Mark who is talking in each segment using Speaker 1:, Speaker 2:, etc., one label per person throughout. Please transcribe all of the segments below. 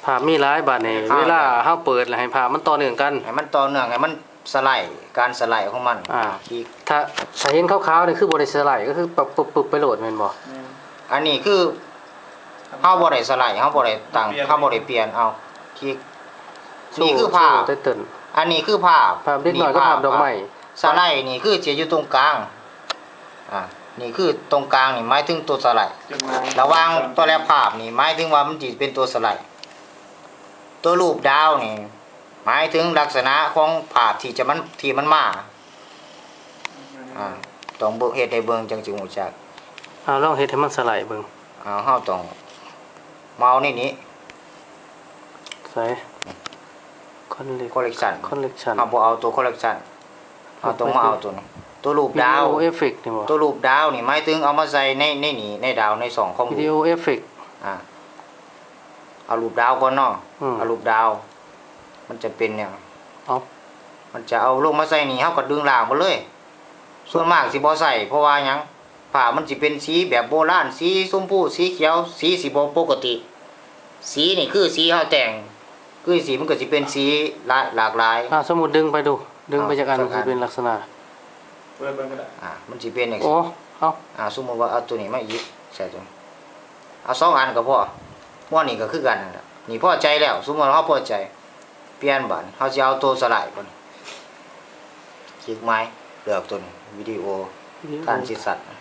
Speaker 1: ภาพมีหลายบัดนี่เวลาเฮาเปิดแล้วให้ภาพมันต่อเนื่องกัน
Speaker 2: ให้มันต่อเนื่องให้มันสไลด์การสไลด์ของมันที่
Speaker 1: ถ้าเห็นขาวๆนี่คือบ่ได้สไลด์ก็คือปึ๊บๆไปโหลดแม่นบ่
Speaker 2: อันนี้คือเฮาบ่ได้สไลด์เฮาบ่ได้ตั้งเฮาบ่ได้เปลี่ยนเอาคลิกนี่คือภาพอันนี้คือภาพ
Speaker 1: เล็กน้อยก็ภาพดอกไม้
Speaker 2: สไลด์นี่คือจะอยู่ตรงกลางนี่คือตรงกลางนี่หมายถึงตัวสไลด์ระหว่างตัวแรกภาพนี่หมายถึงว่ามันสิเป็นตัวสไลด์ตัวรูปดาวนี่หมายถึงลักษณะของภาพที่มันมาต้องเบิ่งเฮ็ดให้เบิ่งจังสิฮู้จัก
Speaker 1: ลองเฮ็ดให้มันสไลด์เบิ่ง
Speaker 2: เฮาต้องเมาส์นี่
Speaker 1: ใส่คอลเลกชัน
Speaker 2: เฮาบ่เอาตัวคอลเลกชันเฮาต้องมาเอาตัวนี้ตัวรูปดาว
Speaker 1: วิดีโอเอฟเฟกต์นี่บ่
Speaker 2: ตัวรูปดาวนี่หมายถึงเอามาใส่ในนี่ในดาวในสองของ
Speaker 1: วิดีโอเอฟเฟกต์
Speaker 2: เอารูปดาวก่อนเนาะเอารูปดาวมันจะเป็นเนี่ยมันจะเอาลงมาใส่นี่เฮาก็ดึงล่างมาเลยส่วนมากสิบ่ใส่เพราะว่าหยังผ้ามันสิเป็นสีแบบโบราณสีชมพูสีเขียวสีสิบ่ปกติสีนี่คือสีเฮาแต่งคือสีมันก็สิเป็นสีหลากหลาย
Speaker 1: สมมุติดึงไปดูดึงไปจากอันสิเป็นลักษณะ
Speaker 3: เปิดเบิ่งก็ได้
Speaker 2: มันสิเป็นจัง
Speaker 1: ซี่
Speaker 2: สมมุติว่าเอาตัวนี้มาอีกใส่ตัวเอา2อันก็พอว่านี่ก็คือกันนั่นแหละนี่พอใจแล้วสมมุติว่าเฮาพอใจเปลี่ยนบัดเฮาสิเอาตัวสไลด์ก่อนคลิกไม้เลือกตัวนี้วิดีโอการสิสัตว์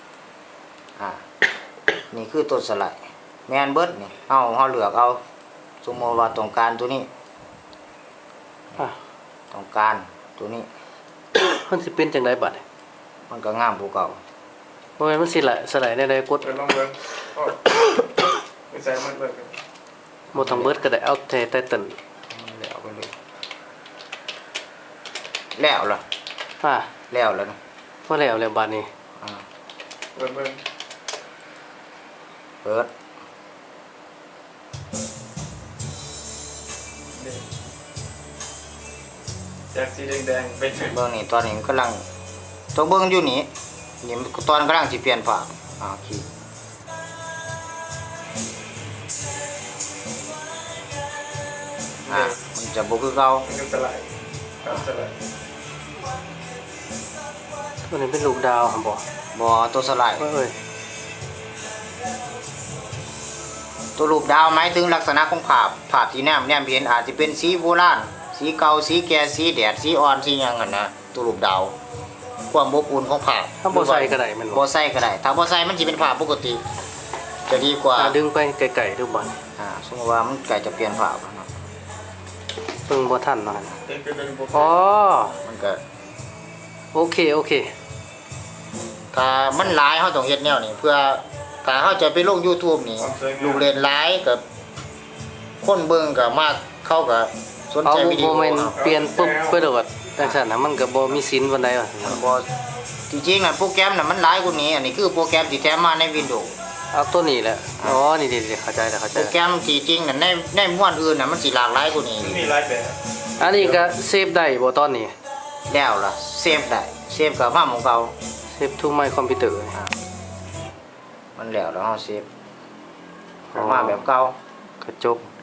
Speaker 2: นี่คือตัวสไลด์แม่นเบิดนี่เฮาเลือกเอาสมมุติว่าต้องการตัวนี้ต้องการตัวนี้
Speaker 1: มันสิเป็นจังได๋บัด
Speaker 2: มันก็งามกว่าเก่า
Speaker 1: บ่แม่นมันสิสไลด์ได้กด
Speaker 3: ลองเบิ่งไม่ใส่มันเบิ่ง
Speaker 1: บ่ต้องเบิดก็ได้เอาแต่ไตเติ้ล
Speaker 2: แล้วไปเลยแล้วล่ะแล้วนะ
Speaker 1: พอแล้วบัดนี้
Speaker 3: เบิ่ง
Speaker 2: เปิด
Speaker 3: จากสีแดงๆเป็น
Speaker 2: เบิ่งนี่ตอนนี้มันกำลังตัวเบิ่งอยู่นี่ตอนกำลังสิเปลี่ยนภาพคลิกมันจะบ่คือเก่า
Speaker 3: มันสไลด์สไลด์
Speaker 1: ตัวนี้เป็นรูปดาวครับ
Speaker 2: บ่ตัวสไลด์ตัวรูปดาวหมายถึงลักษณะของภาพที่แนมเห็นอาจจะเป็นสีโบราณสีเก่าสีแก่สีแดดสีอ่อนสีหยังนั่นนะตัวรูปดาวความอบอุ่นของภาพ
Speaker 1: ถ้าบ่ใส่ก็ได้มัน
Speaker 2: บ่ใส่ก็ได้ถ้าบ่ใส่มันสิเป็นภาพปกติจะดีกว่า
Speaker 1: ดึงไปไกลๆดูบ่
Speaker 2: สมมุติว่ามันใกล้จะเปลี่ยนภาพเนาะ
Speaker 1: เพิ่งบ่ทันเนาะ
Speaker 2: มันก็
Speaker 1: โอเค
Speaker 2: ถ้ามันหลายเฮาต้องเฮ็ดแนวนี้เพื่อถ้าเฮาจะไปลง YouTube นี่ลูกเล่นหลายกับคนเบิ่งก็มากเขาก็สนใจวิดีโอ
Speaker 1: เปลี่ยนปุ๊บไปโดดจังซั่นน่ะมันก็บ่มีศีลปานใดว่า
Speaker 2: บ่จริงๆน่ะโปรแกรมน่ะมันหลายกว่านี้อันนี้คือโปรแกรมที่แถมมาใน Windows
Speaker 1: เอาตัวนี้แหละนี่เข้าใจแล้ว
Speaker 2: โปรแกรมที่จริงน่ะในม้วนอื่นน่ะมันสิหลากหลายกว่านี้
Speaker 3: มีหลายแบบ
Speaker 1: อันนี้ก็เซฟได้บ่ตอนนี้
Speaker 2: แล้วล่ะเซฟได้เซฟก็มาของเก่า
Speaker 1: เซฟทูmy computer
Speaker 2: มันแล้วเฮาเซฟมาแบบเก่า
Speaker 1: ก็จบ